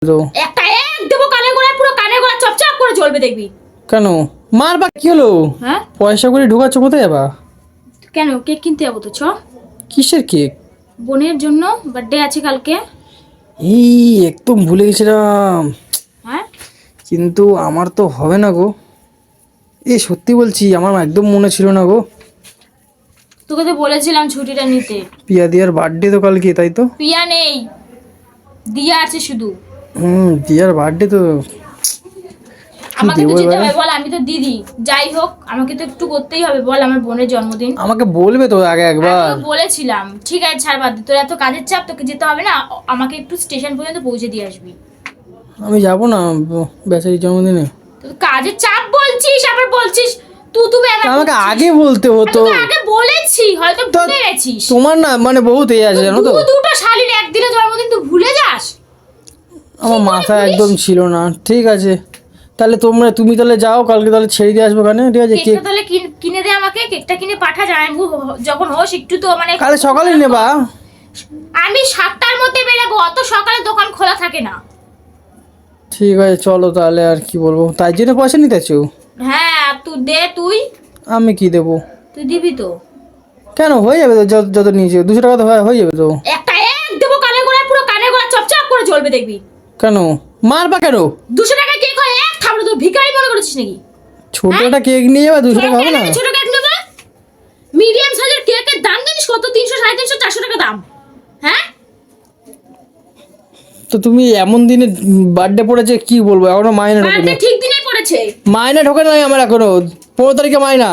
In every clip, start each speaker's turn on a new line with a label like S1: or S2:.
S1: তো
S2: একটা এক দেবো কানে গোড়ায়, পুরো কানে গোড়া চপচপ করে জ্বলবে দেখবি।
S1: কেন মার বা কি হলো?
S2: হ্যাঁ
S1: পয়সা করে ঢোকাচ্ছ কোথায় যাবা?
S2: কেন কেক কিনতে যাবো তো চ।
S1: কিসের কেক?
S2: বোনের জন্য বার্থডে আছে কালকে।
S1: এই একদম ভুলে গেছিলাম,
S2: হ্যাঁ
S1: কিন্তু আমার তো হবে না গো। এই সত্যি বলছি, আমার একদম মনে ছিল না গো।
S2: তোকে তো বলেছিলাম ছুটিটা নিতে।
S1: পিয়া দিয়ার বার্থডে তো কালকে, তাই তো?
S2: পিয়া নেই, দিয়া আছে শুধু।
S1: দিয়ার বার্থডে তো। কি
S2: আমাকে তো
S1: দেবো
S2: যেতে
S1: এবারে?
S2: হবে বল, আমি তো দিদি। যাই হোক আমাকে তো একটু করতেই হবে বল, আমার বোনের জন্মদিন।
S1: আমাকে বলবে তো আগে একবার।
S2: আমিও বলেছিলাম ঠিক আছে ছাড় বাদ দে, তোর এত কাজের চাপ, তোকে যেতে হবে না। আমাকে একটু স্টেশন পর্যন্ত পৌঁছে দিয়ে আসবি।
S1: আমি যাবো না বেচারির জন্মদিনে।
S2: তোর কাজের চাপ বলছিস, আবার বলছিস তুমি
S1: আমাকে আগে বলতে হতো।
S2: আগে বলেছি, হয়তো ভুলে গেছিস।
S1: তোমার না মানে বহুত এই আছে জানো তো।
S2: দুটো শালির একদিনে জন্মদিন তুই ভুলে যাস?
S1: আমার মাথায় একদম ছিল না। ঠিক আছে তাহলে তুমি তাহলে যাও, কালকে তাহলে ছেড়ে দিয়ে আসবো ওখানে, ঠিক আছে?
S2: কেকটা তাহলে কিনে দে আমাকে, কেকটা কিনে পাঠা জানাবো যখন হোস একটু তো মানে।
S1: কালে সকালে নেবা?
S2: আমি 7টার মধ্যে বেরাবো, অত সকালে দোকান খোলা থাকে না।
S1: ঠিক আছে চলো তাহলে, আর কি বলবো, তাই জন্য পয়সা নিতেছো?
S2: হ্যাঁ তুই দে, তুই
S1: আমি কি দেবো?
S2: তুই দিবি তো।
S1: কেন হয়ে যাবে তো, যত নিয়েছে 200 টাকা তো হয়ে যাবে তো।
S2: একটা এক দেবো কানে গোড়ায়, পুরো কানে গোড়া চপচপ করে জ্বলবে দেখবি।
S1: কেন মারবা কেন?
S2: 200 টাকা কেক হয় এক থামড়ে, তুই ভিখারি মনে করেছিস নাকি?
S1: ছোট একটা কেক নিয়ে যাবে, 200 টাকা হবে না?
S2: ছোট কেক নেবে? মিডিয়াম সাইজের কেকের দাম জানিস কত? 300, 350, 400 টাকা দাম। হ্যাঁ
S1: তো তুমি এমন দিনে বার্থডে পড়েছে, কি বলবো, এখনো মাইনে ঢোকে
S2: বার্থডে
S1: না।
S2: ঠিক দিনেই পড়েছে।
S1: মাইনে ঢোকে নাই আমার এখনো, 15 তারিখে মাইনা।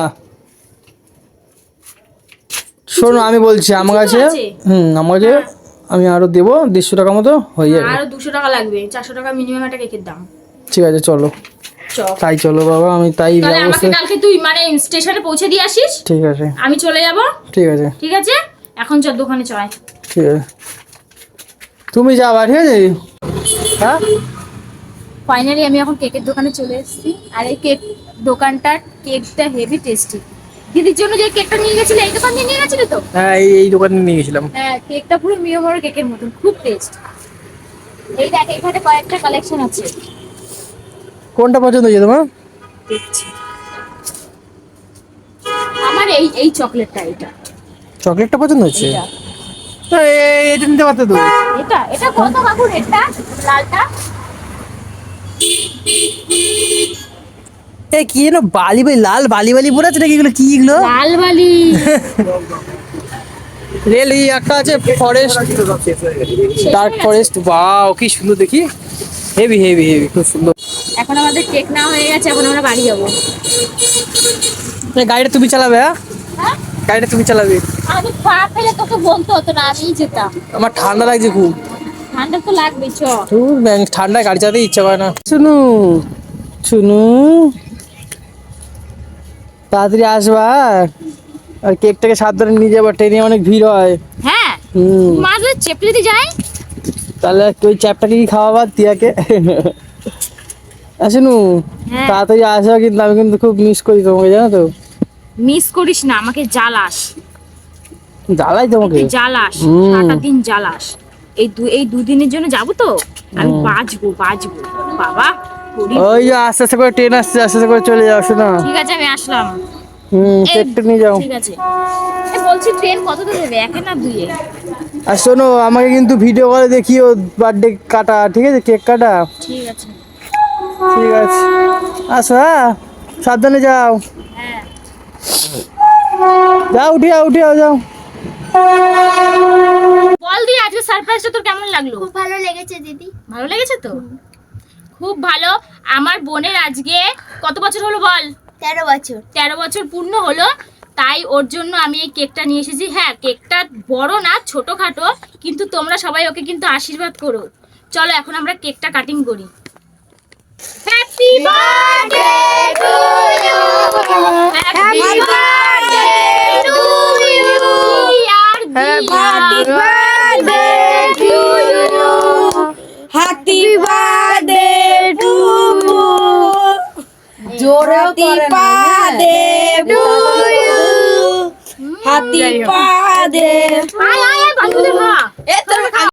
S1: শোনো আমি বলছি আমার কাছে,
S2: আছে?
S1: আমার কাছে আমি আরো দেবো 150 টাকা মতো হয়ে যাবে।
S2: আরো 200 টাকা লাগবে, 400 টাকা মিনিমাম একটা কেকের দাম।
S1: ঠিক আছে চলো,
S2: চল
S1: তাই চলো বাবা, আমি তাই
S2: তাহলে আমাকে
S1: ব্যবস্থা।
S2: কালকে তুই মানে স্টেশনে পৌঁছে দিয়ে আসিস।
S1: ঠিক আছে
S2: আমি চলে যাব।
S1: ঠিক আছে
S2: ঠিক আছে এখন চল দোকানে চল।
S1: ঠিক আছে, তুমি যাবা, ঠিক আছে? হ্যাঁ
S2: ফাইনালি আমি এখন কেকের দোকানে চলে এসেছি। আর এই কেক দোকানটার কেকটা হেভি টেস্টি। দিদির জন্য যে কেকটা নিয়ে গেছিলে এই দোকান থেকে নিয়ে গেছিলে তো?
S1: হ্যাঁ এই দোকানে নিয়ে গেছিলাম।
S2: হ্যাঁ কেকটা পুরো মিয়মরের কেকের মতন, খুব টেস্ট। এই দেখ এখানে কয়েকটা কালেকশন আছে।
S1: কোনটা পছন্দ হয়েছে তোমার?
S2: দেখছি আমার এই চকলেটটা, এটা
S1: চকলেটটা পছন্দ হচ্ছে?
S2: এটা
S1: তো এটা নিতে পারতে তো।
S2: এটা এটা কত কাকু রেটটা? লালটা
S1: এই কি যেন বালি বালি, লাল বালি বালি পড়ে আছে নাকি, এগুলো কি এগুলো?
S2: লাল বালি।
S1: রেল এই একটা আছে ফরেস্ট, ডার্ক ফরেস্ট, ওয়াও কি সুন্দর দেখি, হেভি হেভি হেভি, খুব সুন্দর।
S2: এখন আমাদের কেক না হয়ে গেছে, এখন আমরা বাড়ি যাবো।
S1: এই গাড়িটা তুমি চালাবে? হ্যাঁ
S2: হ্যাঁ
S1: গাড়িটা তুমি চালাবে?
S2: আমি পা ফেলে তোকে বলতে হতো না, আমিই যেতাম।
S1: আমার ঠান্ডা লাগছে খুব।
S2: ঠান্ডা তো লাগবে চ।
S1: ঠান্ডায় গাড়ি চালাতে ইচ্ছা করে না। শুনু শুনু, তাড়াতাড়ি আসবা, আর কেকটাকে সাবধানে নিয়ে যাবা, ট্রেনে অনেক ভিড় হয়।
S2: হ্যাঁ
S1: হুম
S2: মাঝে চেপলিতে যাই।
S1: তাহলে ওই চ্যাপটাকে কি খাওয়াবা তিয়াকে? শুনু
S2: হ্যাঁ।
S1: তাড়াতাড়ি আসবা, কিন্তু আমি কিন্তু খুব মিস করি তোমাকে, জানো তো।
S2: মিস করিস না, আমাকে জ্বালাস।
S1: জ্বালাই তোমাকে।
S2: তুই জ্বালাস,
S1: হুম।
S2: সারাটা দিন জ্বালাস। এই দুদিনের জন্য যাবো তো, আমি বাঁচবো বাবা।
S1: ওই যে আস্তে আস্তে করে ট্রেন আসছে, আস্তে আস্তে করে চলে যাও, শোনো।
S2: ঠিক আছে আমি আসলাম।
S1: কেকটা নিয়ে যাও।
S2: ঠিক আছে বলছি ট্রেন কতটা দেবে, একে না দুইয়ে?
S1: আর শোনো আমাকে কিন্তু ভিডিও কলে দেখিও বার্থডে কাটা, ঠিক আছে? কেক কাটা।
S2: ঠিক আছে।
S1: ঠিক আছে আসো, হ্যাঁ সাবধানে যাও।
S2: হ্যাঁ
S1: যাও উঠে যাও।
S2: বল দি আজকে সারপ্রাইজটা তোর কেমন লাগলো?
S3: খুব ভালো লেগেছে দিদি।
S2: ভালো লেগেছে তো? খুব ভালো। আমার বোনের আজকে কত বছর হলো বল?
S3: 13 বছর।
S2: 13 বছর পূর্ণ হলো, তাই ওর জন্য আমি এই কেকটা নিয়ে এসেছি। হ্যাঁ কেকটা বড় না, ছোটখাটো, কিন্তু তোমরা সবাই ওকে কিন্তু আশীর্বাদ করো। চলো এখন আমরা কেকটা কাটিং করি। Happy birthday to you, happy birthday to you, happy birthday to you,
S3: happy birthday to জোরে birthday to you. Happy birthday.
S2: আয় বান্ধবীদের খা।